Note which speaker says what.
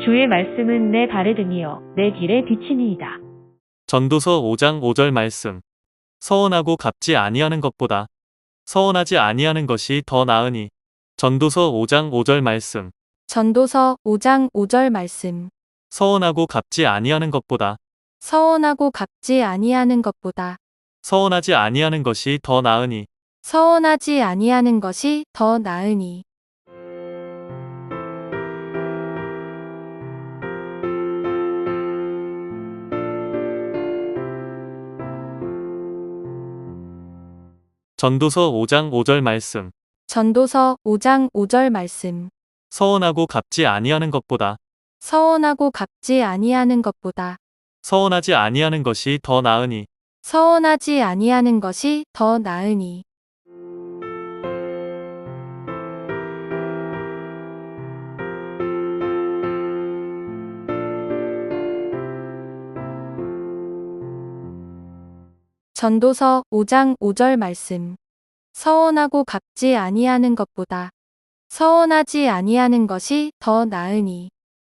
Speaker 1: 주의 말씀은 내 발에 등이요 내 길에 비치니이다.
Speaker 2: 전도서 5장 5절 말씀. 서원하고 갚지 아니하는 것보다 서원하지 아니하는 것이 더 나으니. 전도서 5장 5절 말씀.
Speaker 3: 전도서 5장 5절 말씀.
Speaker 2: 서원하고 갚지 아니하는 것보다
Speaker 3: 서원하고 갚지 아니하는 것보다
Speaker 2: 서원하지 아니하는 것이 더 나으니.
Speaker 3: 서원하지 아니하는 것이 더 나으니.
Speaker 2: 전도서 5장 5절 말씀.
Speaker 3: 전도서 5장 5절 말씀.
Speaker 2: 서원하고 갚지 아니하는 것보다
Speaker 3: 서원하고 갚지 아니하는 것보다
Speaker 2: 서원하지 아니하는 것이 더 나으니.
Speaker 3: 서원하지 아니하는 것이 더 나으니. 전도서 5장 5절 말씀. 서원하고 갚지 아니하는 것보다 서원하지 아니하는 것이 더 나으니.